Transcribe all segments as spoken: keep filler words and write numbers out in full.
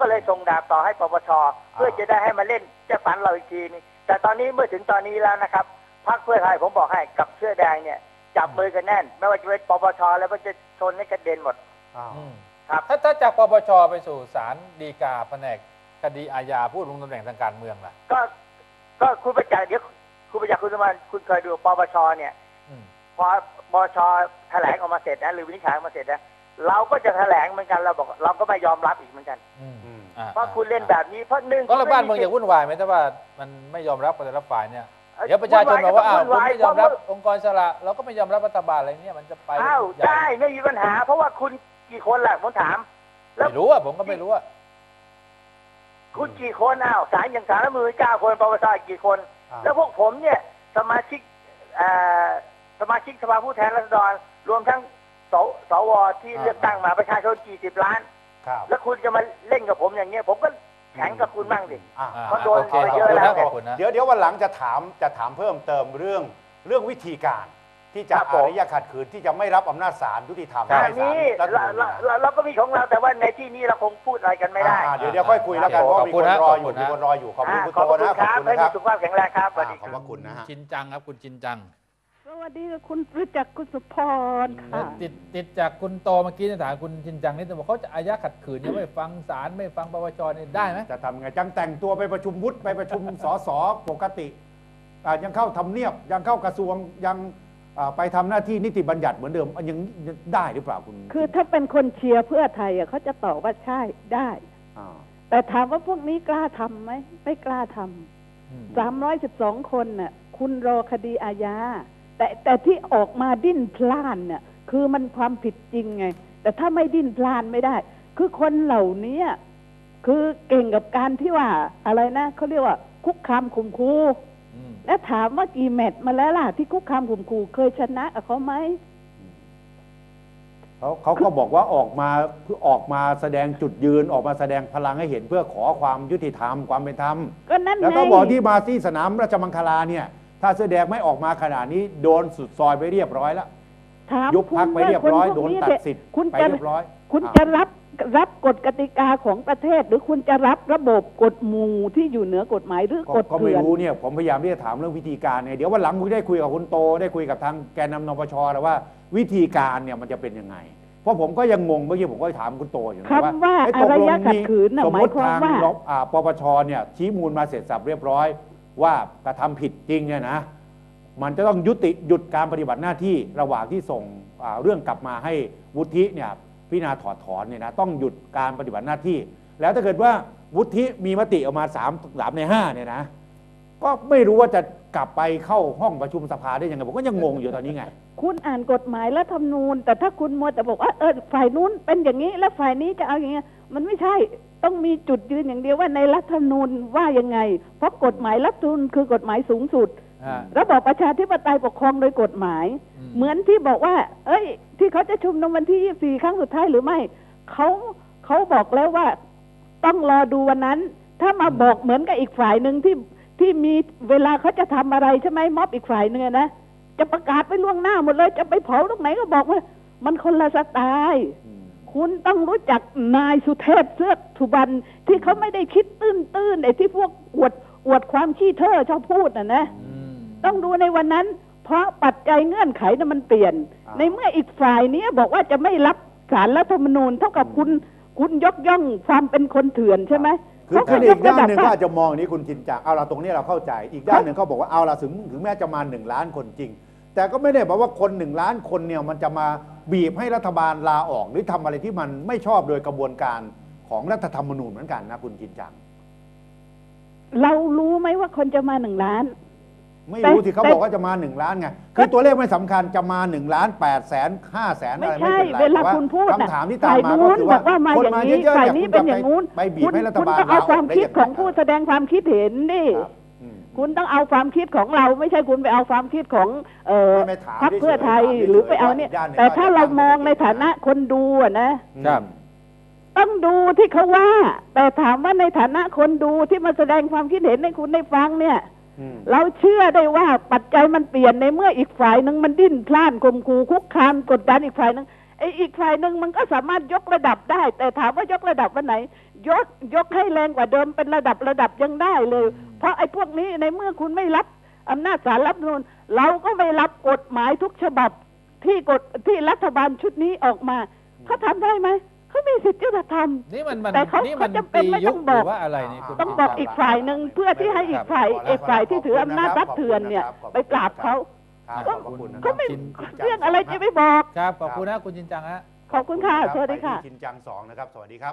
เลยส่งดาบต่อให้ปปชเพื่อจะได้ให้มาเล่นจะฝันเราอีกทีนึงแต่ตอนนี้เมื่อถึงตอนนี้แล้วนะครับพรรคเพื่อไทยผมบอกให้กับเสื้อแดงเนี่ยจับมือกันแน่นไม่ว่าจะเป็นปปชแล้วก็จะชนให้กระเด็นหมดครับถ้าถ้าจากปปชไปสู่ศาลฎีกาแผนกคดีอาญาผู้ลงตำแหน่งทางการเมืองล่ะก็ก็คุณประจักษ์เดี๋ยวคุณประจักษ์คุณสมานคุณเคยดูปปชเนี่ยพอปปชแถลงออกมาเสร็จนะหรือวินิจฉัยออกมาเสร็จนะเราก็จะแถลงเหมือนกันเราบอกเราก็ไม่ยอมรับอีกเหมือนกันเพราะคุณเล่นแบบนี้เพราะหนึ่งก็ระบ้านเมืองอย่าวุ่นวายไหมถ้าว่ามันไม่ยอมรับแต่ละฝ่ายเนี่ยเดี๋ยวประชาชนบอกว่าอ้าวคุณไม่ยอมรับองค์กรอิสระเราก็ไม่ยอมรับรัฐบาลอะไรเนี่ยมันจะไปอ้าวได้ไม่มีปัญหาเพราะว่าคุณกี่คนแหละผมถามไม่รู้อ่ะผมก็ไม่รู้อ่ะคุณกี่คนอ้าวศาลอย่างศาลรัฐธรรมนูญเก้าคนปปชกี่คนแล้วพวกผมเนี่ยสมาชิกสมาชิกสภาผู้แทนราษฎรรวมทั้งสสวที่เลือกตั้งมาประชาชนกี่สิบล้านแล้วคุณจะมาเล่นกับผมอย่างเงี้ยผมก็แข่งกับคุณบ้างดิเพราะโดนไปเยอะแล้วเดี๋ยวเดี๋ยววันหลังจะถามจะถามเพิ่มเติมเรื่องเรื่องวิธีการที่จะอารยะขัดขืนที่จะไม่รับอำนาจศาลยุติธรรมอันนี้เราก็มีของเราแต่ว่าในที่นี้เราคงพูดอะไรกันไม่ได้เดี๋ยวเดี๋ยวค่อยคุยแล้วกันเพราะมีคนรออยู่มีคนรออยู่ขอบคุณคุณโตนะขอบคุณนะครับสุขภาพแข็งแรงครับสวัสดีขอบพระคุณนะฮะชินจังครับคุณชินจังสวัสดีคุณรู้จักคุณสุพรค่ะติดติดจากคุณโตเมื่อกี้ถามคุณชินจังนี่แต่บอกเขาจะอาญาขัดขืนยังไม่ฟังศาลไม่ฟังปปชนี่ได้ไหมจะทำไงจังแต่งตัวไปประชุมวุฒิไปประชุมสสปกติยังเข้าทำเนียบยังเข้ากระทรวงยังไปทำหน้าที่นิติบัญญัติเหมือนเดิมยังได้หรือเปล่าคุณคือถ้าเป็นคนเชียร์เพื่อไทยเขาจะตอบว่าใช่ได้แต่ถามว่าพวกนี้กล้าทำไหมไม่กล้าทำสามร้อยสิบสองคนน่ะคุณรอคดีอาญาแต่แต่ที่ออกมาดิ้นพล่านเนี่ยคือมันความผิดจริงไงแต่ถ้าไม่ดิ้นพล่านไม่ได้คือคนเหล่านี้คือเก่งกับการที่ว่าอะไรนะเขาเรียกว่าคุกคามข่มขู่และถามว่ากี่แมตช์มาแล้วล่ะที่คุกคามข่มขู่เคยชนะกับเขาไหมเขาเขาก็บอกว่าออกมาเพื่อออกมาแสดงจุดยืนออกมาแสดงพลังให้เห็นเพื่อขอความยุติธรรมความเป็นธรรมก็นั่นไงแล้วก็บอกที่มาที่สนามราชมังคลาเนี่ยถ้าเสื้อแดงไม่ออกมาขนาดนี้โดนสุดซอยไปเรียบร้อยแล้วยุบพักไปเรียบร้อยโดนตัดสิทธิ์ไปเรียบร้อยคุณจะรับรับกฎกติกาของประเทศหรือคุณจะรับระบบกฎหมู่ที่อยู่เหนือกฎหมายหรือกฎเถื่อนก็ไม่รู้เนี่ยผมพยายามที่จะถามเรื่องวิธีการเนี่ยเดี๋ยววันหลังผมได้คุยกับคุณโตได้คุยกับทางแกนนำนปชแล้วว่าวิธีการเนี่ยมันจะเป็นยังไงเพราะผมก็ยังงงเมื่อกี้ผมก็ถามคุณโตอยู่นะว่าว่าอารยะขัดขืนสมมติทางปปชเนี่ยชี้มูลมาเสร็จสับเรียบร้อยว่ากระทำผิดจริงเนี่ยนะมันจะต้องยุติหยุดการปฏิบัติหน้าที่ระหว่างที่ส่งเรื่องกลับมาให้วุฒิเนี่ยพิจารณาถอดถอนเนี่ยนะต้องหยุดการปฏิบัติหน้าที่แล้วถ้าเกิดว่าวุฒิมีมติออกมาสามสามในห้าเนี่ยนะก็ไม่รู้ว่าจะกลับไปเข้าห้องประชุมสภาได้ยังไงผมก็ยังงงอยู่ตอนนี้ไงคุณอ่านกฎหมายและธรรมนูญแต่ถ้าคุณมัวแต่บอกว่าเออฝ่ายนู้นเป็นอย่างนี้แล้วฝ่ายนี้จะเอาอย่างเงี้ยมันไม่ใช่ต้องมีจุดยืนอย่างเดียวว่าในรัฐธรรมนูญว่ายังไงเพราะกฎหมายรัฐธรรมนูญคือกฎหมายสูงสุดระบอบประชาธิปไตยปกครองโดยกฎหมายเหมือนที่บอกว่าเอ้ยที่เขาจะชุมนุมวันที่ยี่สิบสี่ครั้งสุดท้ายหรือไม่เขาเขาบอกแล้วว่าต้องรอดูวันนั้นถ้ามาบอกเหมือนกับอีกฝ่ายหนึ่งที่ที่มีเวลาเขาจะทำอะไรใช่ไหมม็อบอีกฝ่ายหนึ่งนะจะประกาศไปล่วงหน้าหมดเลยจะไปเผาตรงไหนก็บอกว่ามันคนละสไตล์คุณต้องรู้จักนายสุเทพเสือกสุบรรณที่เขาไม่ได้คิดตื้นๆไอ้ที่พวกอวดอวดความขี้เท่อชอบพูดน่ะนะต้องดูในวันนั้นเพราะปัจจัยเงื่อนไขนั้นมันเปลี่ยนในเมื่ออีกฝ่ายนี้บอกว่าจะไม่รับศาลรัฐธรรมนูญเท่ากับคุณคุณยกย่องความเป็นคนเถื่อนใช่ไหมคือคืออีกด้านหนึ่งก็อาจจะมองนี้คุณชินจังเอาละตรงนี้เราเข้าใจอีกด้านหนึ่งเขาบอกว่าเอาละถึงถึงแม้จะมาหนึ่งล้านคนจริงแต่ก็ไม่ได้บอกว่าคนหนึ่งล้านคนเนี่ยมันจะมาบีบให้รัฐบาลลาออกหรือทำอะไรที่มันไม่ชอบโดยกระบวนการของรัฐธรรมนูญเหมือนกันนะคุณชินจังเรารู้ไหมว่าคนจะมาหนึ่งล้านไม่รู้ที่เขาบอกว่าจะมาหนึ่งล้านไงคือตัวเลขไม่สำคัญจะมาหนึ่งล้านแปดแสนห้าแสนอะไรไม่เป็นไรเวลาคุณพูดคำถามที่ตามมาก็คือว่าคนมาเยอะๆเนี่ยคุณจะไปบีบให้รัฐบาลลาออกได้ยังไงคุณต้องเอาความคิดของผู้แสดงความคิดเห็นดิคุณต้องเอาความคิดของเราไม่ใช่คุณไปเอาความคิดของพรรคเพื่อไทยหรือไปเอาเนี่ยแต่ถ้าเรามองในฐานะคนดูอะนะต้องดูที่เขาว่าแต่ถามว่าในฐานะคนดูที่มาแสดงความคิดเห็นให้คุณได้ฟังเนี่ยเราเชื่อได้ว่าปัจจัยมันเปลี่ยนในเมื่ออีกฝ่ายหนึ่งมันดิ้นพล่านข่มขู่คุกคามกดดันอีกฝ่ายหนึ่งไอ้อีกฝ่ายหนึ่งมันก็สามารถยกระดับได้แต่ถามว่ายกระดับวันไหนยกยกให้แรงกว่าเดิมเป็นระดับระดับยังได้เลย เพราะไอ้พวกนี้ในเมื่อคุณไม่รับอำนาจศาลรัฐธรรมนูญเราก็ไม่รับกฎหมายทุกฉบับที่กฎที่รัฐบาลชุดนี้ออกมาเขาทำได้ไหมเขามีสิทธิ์จะทำนี่มันมันแต่เขานี่เขามันจำเป็นตีไม่ยุต้คองหบรืออกว่าอะไรนี่คุณต้องบอกจินตอีกฝ่ายหนึ่งเพื่อที่ให้อีกฝ่ายอีกฝ่ายที่ถืออำนาจรัฐเถื่อนเนี่ยไปปราบเขาครับขอบพระคุณนะคเขารับไม่ชินจังเรื่องอะไรจะไม่บอกครับขอบคุณนะคุณจินจังฮะขอบคุณค่ะสวัสดีค่ะไปที่ชินจังสองนะครับสวัสดีครับ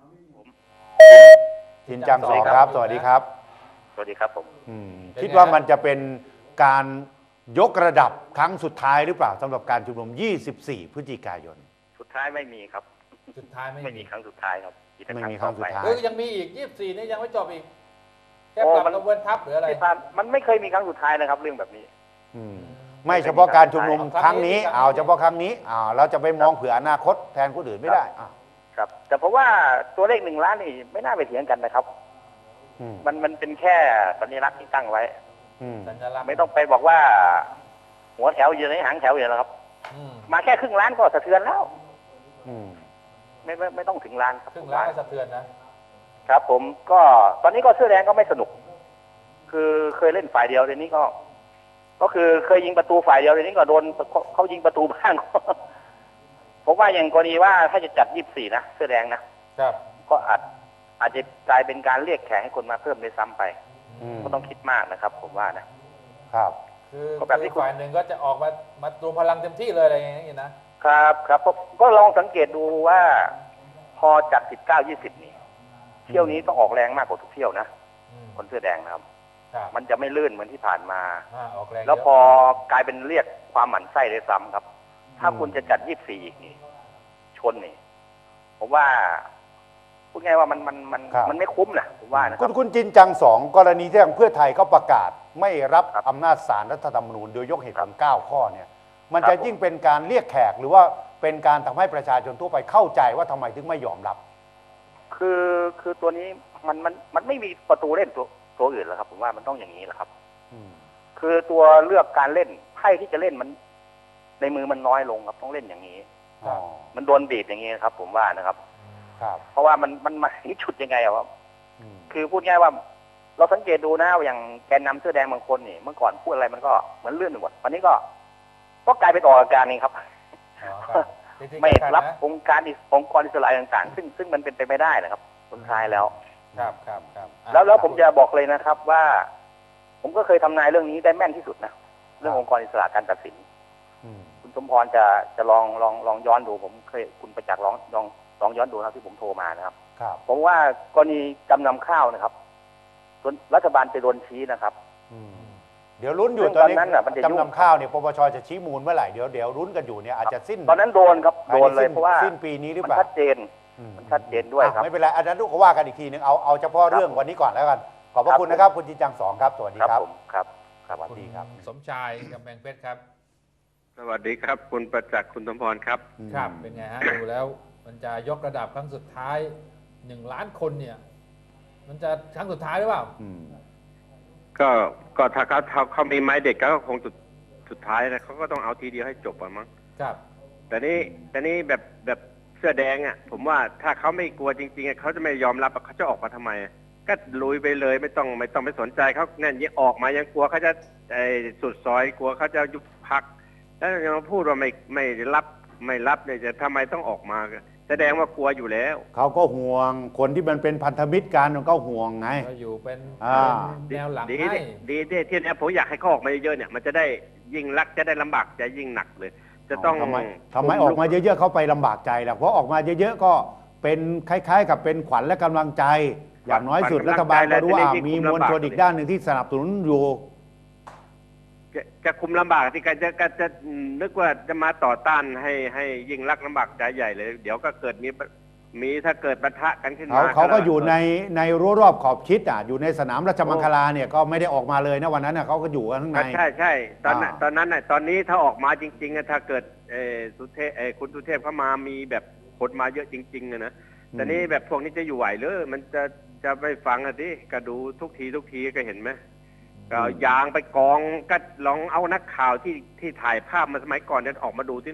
ชินจังสองครับ สวัสดีครับสวัสดีครับผมอืมคิดว่ามันจะเป็นการยกระดับครั้งสุดท้ายหรือเปล่าสำหรับการชุมนุมยี่สิบสี่พฤศจิกายนสุดท้ายไม่มีครับสุดท้ายไม่ไม่มีครั้งสุดท้ายครับไม่มีครั้งสุดท้ายเออยังมีอีกยี่สิบสี่นี่ยังไม่จบอีกแค่ปรับกระบวนทัพหรืออะไรที่ผ่านมันไม่เคยมีครั้งสุดท้ายนะครับ เรื่องแบบนี้อืมไม่เฉพาะการชุมนุมครั้งนี้เอาเฉพาะครั้งนี้อ่าเราจะไปมองเผื่ออนาคตแทนคนอื่นไม่ได้อ่าครับ แต่เพราะว่าตัวเลขหนึ่งล้านนี่ไม่น่าไปเถียงกันนะครับอืมมันมันเป็นแค่สัญลักษณ์ที่ตั้งไว้อืมสัญลักษณ์ไม่ต้องไปบอกว่า หัวแถวอยู่ในหางแถวอยู่แล้วครับอืมมาแค่ครึ่งล้านก็สะเทือนแล้วอืมไม่ไม่ไม่ต้องถึงล้านครับครึ่งล้านก็สะเทือนนะครับผมก็ตอนนี้ก็เสื้อแดงก็ไม่สนุก คือเคยเล่นฝ่ายเดียวเดี๋ยวนี้ก็ ก็คือเคยยิงประตูฝ่ายเดียวเดี๋ยวนี้ก็โดนเขาเขายิงประตูบ้าง ผมว่าอย่างกรณีว่าถ้าจะจัดยี่สิบสี่นะเสื้อแดงนะครับ ก็อาจอาจจะกลายเป็นการเรียกแขกให้คนมาเพิ่มด้วยซ้ำไปอืมก็ต้องคิดมากนะครับ ผมว่านะครับคือก็แบบที่คือฝ่ายหนึ่งก็จะออกมามารวมพลังเต็มที่เลยอะไรอย่างเงี้ยนะครับครับผมก็ลองสังเกตดูว่า พอจัดสิบเก้ายี่สิบนี่เที่ยวนี้ต้องออกแรงมากกว่าทุกเที่ยวนะอืมคนเสื้อแดงนะครับครับมันจะไม่ลื่นเหมือนที่ผ่านมาอ่าออกแรงแล้วเยะพอกลายเป็นเรียกความหมั่นไส้เลยซ้ำครับ ถ้าคุณจะจัดยี่สิบสี่อีกนี่ชนนี่ผมว่าพูดง่ายว่ามันมันมันครับมันไม่คุ้มนะผมว่านะคคุรัณบคุณจินจังสองกรณีที่ทางเพื่อไทยเขาประกาศ ไม่รับครับอำนาจศาลรัฐธรรมนูญโดยยกเหตุผลเก้าข้อเนี่ยมันครับจะยิ่งเป็นการเรียกแขกหรือว่าเป็นการทำให้ประชาชนทั่วไปเข้าใจว่าทำไมถึงไม่ยอมรับคือคือตัวนี้มันมันมันไม่มีประตูเล่นตัวตัวอื่นแล้วครับ ผมว่ามันต้องอย่างนี้แหละครับอืมคือตัวเลือกการเล่นไพ่ที่จะเล่นมัน ในมือมันน้อยลงครับต้องเล่นอย่างนี้อ๋อมันโดนบีบอย่างนี้ครับ ผมว่านะครับครับเพราะว่ามันมันมาถึงจุดยังไงอะครับอืมคือพูดง่ายว่า เราสังเกตดูนะอย่างแกนนำเสื้อแดงบางคนนี่เมื่อก่อนพูดอะไรมันก็เหมือนเลื่อนไปหมดวันนี้ก็ ก็กลายเป็นออกอาการนี่ครับอ๋อครับจริงๆไม่สำคัญรับนะองค์การอิสองค์กรอิสระต่างๆ ซึ่งซึ่งมันเป็นไปไม่ได้นะครับสุดท้ายแล้วครับครับครับอ่ะแล้วแล้วผมจะบอกเลยนะครับว่า ผมก็เคยทำนายเรื่องนี้ได้แม่นที่สุดนะเรื่ององค์กรอิสระการตัดสินอืมคุณสมพรจะจะลองลองลองย้อนดู ผมเคยคุณประจักษ์ลองลองลองย้อนดูนะครับที่ผมโทรมานะครับครับผมว่ากรณีจำนำข้าวนะครับส่วนรัฐบาลไปโดนชี้นะครับอืมเดี๋ยวลุ้นอยู่ซึ่งตอนนี้ตอนนั้นน่ะมันจะยุ่งจำนำข้าวเนี่ยปปชจะชี้มูลเมื่อไหร่เดี๋ยวเดี๋ยวลุ้นกันอยู่เนี่ยอาจจะสิ้นตอนนั้นโดนครับภายโดในนเลยสิ้นเพราะว่าสิ้นปีนี้หรือมันเปล่าชัดเจนอืมันชัดเจนด้วยครับอ่ะไม่เป็นไรอันนั้นก็ว่ากันอีกทีนึงเอาเอาเฉพาะเรื่องวันนี้ก่อนแล้วกันขอบพระครับคุณนะครับ คุณจินจังสองครับสวัสดีครับครับผมครับสวัสดีครับณสมชายกำแพงเพชรครับสวัสดีครับ คุณประจักษ์คุณสมพรครับครับเป็นไงฮะ ดูแล้วมันจะยกระดับครั้งสุดท้ายหนึ่งล้านคนเนี่ย มันจะครั้งสุดท้ายหรือเปล่าอืมก็ก็ถ้าเขาเขาเขามีไม้เด็กก็คงสุดสุดท้ายนะเขาก็ต้องเอาทีเดียวให้จบอะมั้งครับแต่นี้แต่นี้แบบแบบเสื้อแดงอ่ะ ผมว่าถ้าเขาไม่กลัวจริงๆอะเขาจะไม่ยอมรับอะเขาจะออกมาทำไมอะก็ลุยไปเลยไม่ต้องไม่ต้องไปสนใจเขาเนี่ยยังออกมายังกลัวเขาจะไอ้สุดซอยกลัวเขาจะยุบพักแล้วยังมาพูดว่าไม่ไม่รับไม่รับเนี่ยจะทำไมต้องออกมาแสดงว่ากลัวอยู่แล้วเขาก็ห่วงคนที่มันเป็นพันธมิตรกันมันก็ห่วงไงก็อยู่เป็นอ่าเป็นแนวหลังดีให้ดีดีที่เนี้ยผมอยากให้เขาออกมาเยอะๆเนี่ยมันจะได้ยิ่งรักจะได้ลำบากจะยิ่งหนักเลย จะต้องทำไมทำไมออกมาเยอะๆเขาไปลำบากใจล่ะเพราะออกมาเยอะๆก็เป็นคล้ายๆ กับเป็นขวัญและกำลังใจ อย่างน้อยสุดรัฐบาลก็รู้ว่ามีมวลชนอีกด้านหนึ่งที่สนับสนุนอยู่จะจะคุมลำบากที่กันจะก็จะนึกว่าจะมาต่อต้านให้ให้ยิ่งรักลำบากใจใหญ่เลย เดี๋ยวก็เกิดมีมีถ้าเกิดปะทะกันขึ้นเขามาเขาก็อยู่ในในรั้วรอบขอบชิดอ่ะอยู่ในสนามราชมังคลาเนี่ยก็ไม่ได้ออกมาเลยนะวันนั้นน่ะเขาก็อยู่กันข้างในใช่ใช่ตอนนั้นอ่าตอนนั้นน่ะตอนนี้ถ้าออกมาจริงๆอะถ้าเกิดเออสุเทพเออคุณสุเทพเข้ามามีแบบคนมาเยอะจริงๆอะนะแต่นี้แบบพวกนี้จะอยู่ไหวหรือมันจะจะไปฟังอ่ะดิก็ดูทุกทีทุกทีก็เห็นไหมก็เอายางไปกองก็ลองเอานักข่าวที่ที่ถ่ายภาพมาสมัยก่อนเนี่ยออกมาดูที่น่ะ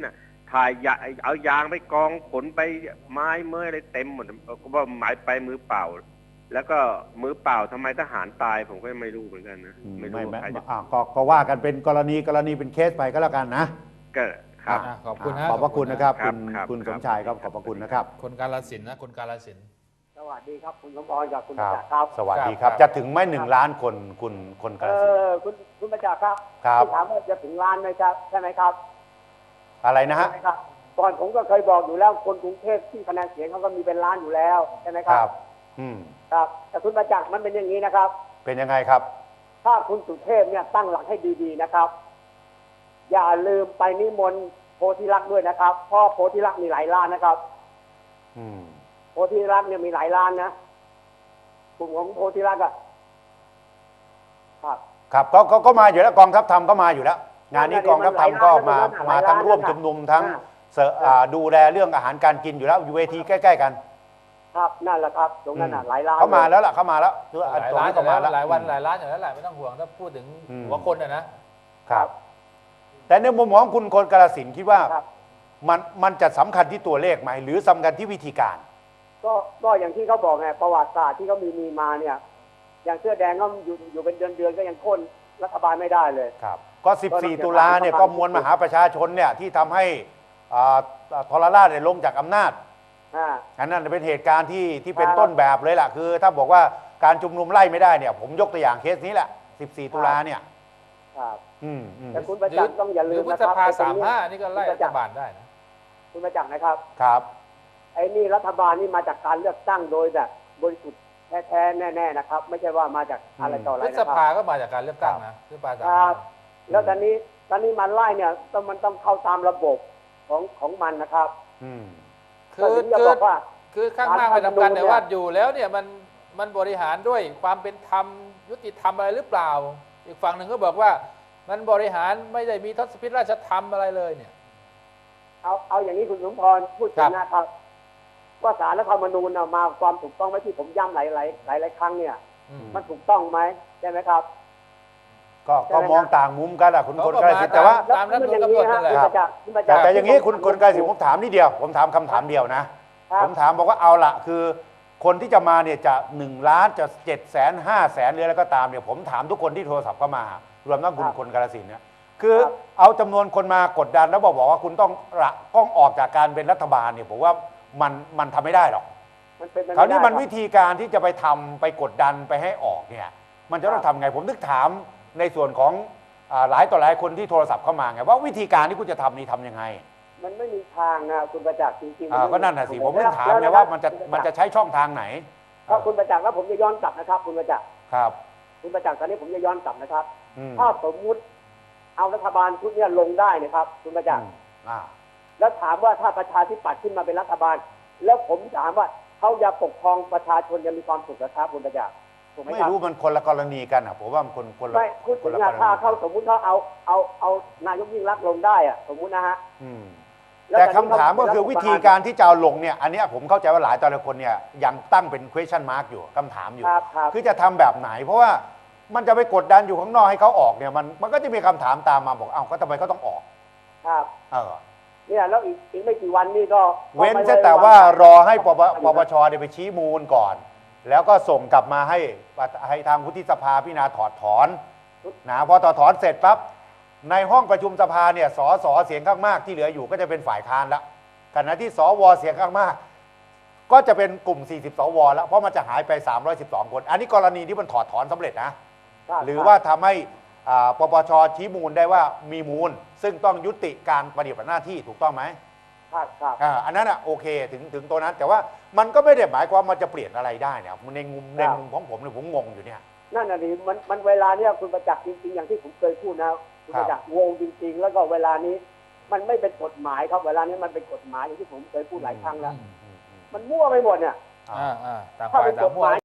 ถ่ายยาเอายางไปกองขนไปไม้เมื่อยอะไรเต็มหมดก็ว่าหมายไปมือเปล่า แล้วก็มือเปล่าทำไมทหารตายผมก็ไม่รู้เหมือนกันนะอืมไม่ไม่รู้ไม่ใครจะอ่ะก็ก็ว่ากันเป็นกรณีกรณีเป็นเคสไปก็แล้วกันนะก็ครับอ่ะขอบคุณอ่ะนะขอบพระคุณนะครับครัคุบณครับคุณคสรับมชายครับขอบพระคุณนะครับคนกาลสินธุ์นะคนกาลสินธุ์สวัสดีครับคุณสมพรกับคุณคประรับจักษ์ครับสวัสดีครับครับจะถึงไหม่หนึ่งล้านคนคุณคนกเอระสินธุ์อคุณคุณประจักษ์ครับครับที่ถามว่าจะถึงล้านไหมครับใช่ไหมครับอะไรนะฮะใช่ไหมครับก่อนผมก็เคยบอกอยู่แล้วคนกรุงเทพที่คะแนนเสียงเขาก็มีเป็นล้านอยู่แล้วใช่ไหมคครัรับบอืมครับแต่คุณประจักษ์มันเป็นอย่างนี้นะครับเป็นยังไงครับถ้าคุณสุเทพเนี่ยตั้งหลักให้ดีๆนะครับ อย่าลืมไปนิมนต์โพธิลักษณ์ด้วยนะครับเพราะโพธิลักษณ์มีหลายล้านนะครับอืมโพธิลักษณ์เนี่ยมีหลายล้านนะกลุ่มของโพธิลักษณ์อะครับครับก็ก็ก็มาอยู่แล้วกองทัพธรรมก็มาอยู่แล้ว งานนี้กองทัพธรรมก็มามาทั้งร่วมชุมนุมทั้งเสอ่ออ่าดูแลเรื่องอาหารการกินอยู่แล้วอยู่เวทีใกล้ๆกันครับนั่นแหละครับ ตรงนั้นน่ะอืมหลายล้านเขามาแล้วล่ะเขามาแล้วหลายตรงล้านนี้อก็ยู่มาแล้วแล้วหลายวันหลายล้านอยู่แล้วแหละไม่ต้องห่วงถ้าพูดถึงอืมหัวคนอะนะครับแต่ในมุมมองคุณคนกาฬสินธุ์คิดว่าครับมันมันจะสำคัญที่ตัวเลขไหมหรือสำคัญที่วิธีการก็ก็อย่างที่เขาบอกไงประวัติศาสตร์ที่เขามีมีมาเนี่ย อย่างเสื้อแดงก็อยู่อยู่เป็นเดือนเดือนๆก็ยังโค่นรัฐบาลไม่ได้เลยครับก็ สิบสี่ ตุลาเนี่ยก็มวลมหาประชาชนเนี่ยที่ทำให้อ่าทรราชเนี่ยลงจากอำนาจอ่าอันนั้นเป็นเหตุการณ์ที่ที่เป็นครับต้นแบบเลยล่ะคือ ถ้าบอกว่าการชุมนุมไล่ไม่ได้เนี่ยผมยกตัวอย่างเคสนี้แหละ สิบสี่ ตุลาเนี่ยครับอืมอืมแต่คุณประจักษ์ต้องอย่าหลืรือมพฤนะษครับภาไอ้ตรสาง มนี้ห้านี่ก็ไล่รัฐบาลได้นะคุณประจักษ์นะครับครับไอ้นี่รัฐบาลนี่มาจากการเลือกตั้งโดยแบบบริสุทธิ์แท้ๆแน่ๆนะครับ ไม่ใช่ว่ามาจากอะไรต่ออะไรพฤนะษคภารับก็มาจากการเลือกตั้งนะพฤษภาสามคห้ารับ แล้วตอนนี้ตอนนี้มันไล่เนี่ยต้องมันต้องเข้าตามระบบของของมันนะครับอืมคือก็ถึงจะคือบอกว่าคือข้างมากไม่สำคัญการทำนูนเนี่ยแต่ว่าอยู่แล้วเนี่ยมันมันบริหารด้วยความเป็นธรรมยุติธรรมอะไรหรือเปล่า อีกฝั่งหนึ่งก็บอกว่ามันบริหารไม่ได้มีทศพิธราชธรรมอะไรเลยเนี่ยเอาเอาอย่างนี้คุณสมพรพูดครัถึบงนะครับ ว่าสารรัฐธรรมนูญน่ะมาความถูกต้องไหมที่ผมย้ำหลายหลายหลายหลายครั้งเนี่ยอืมมันถูกต้องไหมใช่ไหมครับก็ก็มองต่างมุมกันอะคุณเขาคนก็กาฬสินธุ์แต่ว่าตามรัฐธรรมนูญกำหนดนั่นแหละคุณประจักษ์คุณประจัแต่กษ์แต่อย่างนี้คุณคนกาฬสินธุ์ผมถามนิดเดียว ผมถามคำถามเดียวนะครับผมถามบอกว่าเอาละคือคนที่จะมาเนี่ยจะหนึ่งล้านจะเจ็ดแสนห้าแสนหรืออะไรก็ตามเนี่ยผมถามทุกคนที่โทรศัพท์เข้ามารวมทั้งคุณคนกาฬสินธุ์เนี่ยคือเอาจำนวนคนมากดดันแล้วบอกบอกว่าคุณต้องละต้องออกจากการเป็นรัฐบาลเนี่ยผมว่ามันมันทำไม่ได้หรอกมันเป็นไปคราวนี้ไได้มันครับวิธีการที่จะไปทำไปกดดันไปให้ออกเนี่ยมันจะต้องทำไงผมนึกถามในส่วนของอ่าหลายต่อหลายคนที่โทรศัพท์เข้ามาไงว่าวิธีการที่คุณจะทำนี่ทำยังไงมันไม่มีทางนะคุณประจักษ์จริงๆอ่ามัก็ไนั่นน่ะสิผมถึงถามแล้วไงแล้วว่ามันจะคุณปรมันจัจะกษ์ใช้ช่องทางไหนถ้าคุณประจักษ์แล้วผมจะย้อนกลับนะครับ คุณประจักษ์ครับคุณประจักษ์ตอนนี้ผมจะย้อนกลับนะครับอืมถ้าสมมุติเอารัฐบาลชุดเนี้ยลงได้นะครับ คุณประจักษ์อืมอ่าแล้วถามว่าถ้าประชาธิปัตย์ขึ้นมาเป็นรัฐบาล แล้วผมถามว่าเขาจะปกครองประชาชนจะมีความสุขนะครับคุณประจักษ์ถูกไหมไม่ครับรู้มันคนละกรณีกันอ่ะผมว่ามันคนคนละไม่คุณคถึนงละอะกรณีถ้าเขาสมมุติเขาเอาเอาเอานายกยิ่งรักษณ์ลงได้อะสมมุตินะฮะอืมล้วแต่อนคำนี้เขถามก็คือเป็นวิฐบลธีการที่จะเอาลงเนี่ยอันเนี้ยผมเข้าใจว่าหลายต่อหลายคนเนี่ยยังตั้งเป็น question mark อยู่คำถามอยู่ครับครับคือจะทำแบบไหน เพราะว่ามันจะไปกดดันอยู่ข้างนอกให้เขาออกเนี่ยมันมันก็จะมีคำถามตามมาบอกเอ้าก็ทำไมเขาต้องออกครับเออเนี่ยแล้วอีกอีกไม่กี่วันนี่ก็เว้นก็ไม่แต่ไแต่ว่ารอให้ปปครับปปชเนี่ยไปชี้มูลก่อน แล้วก็ส่งกลับมาให้ให้ทางวุฒิสภาพิจารณาถอดถอนนะพอถอดถอนเสร็จปั๊บในห้องประชุมสภาเนี่ยสสเสียงข้างมากที่เหลืออยู่ก็จะเป็นฝ่ายค้านแล้วขณะที่สวเสียงข้างมาก ก็จะเป็นกลุ่ม สี่สิบ สวแล้วเพราะมันจะหายไป สามร้อยสิบสอง คน อันนี้กรณีที่มันถอดถอนสำเร็จนะครับหรือว่าทำให้อ่าปปชชี้มูลได้ว่ามีมูล ซึ่งต้องยุติการปฏิบัติหน้าที่ถูกต้องไหมครับครับอ่าอันนั้นอ่ะโอเคถึงถึงตัวนั้น แต่ว่ามันก็ไม่ได้หมายความมันจะเปลี่ยนอะไรได้เนี่ยในมุมในมุมของผมเนี่ยผมงงอยู่เนี่ยนั่นน่ะดิมันมันเวลาเนี่ยคุณประจักษ์จริงๆอย่างที่ผมเคยพูดนะคุณประจักษ์งงจริง ๆ แล้วก็เวลานี้มันไม่เป็นกฎหมายครับเวลานี้มันเป็นกฎหมายอย่างที่ผมเคยพูดหลายครั้งแล้ว มันมั่วไปหมดเนี่ยอ่าอ่าอ่าต่างถ้าฝ่ายเป็นต่าก งฎมั่หวมาย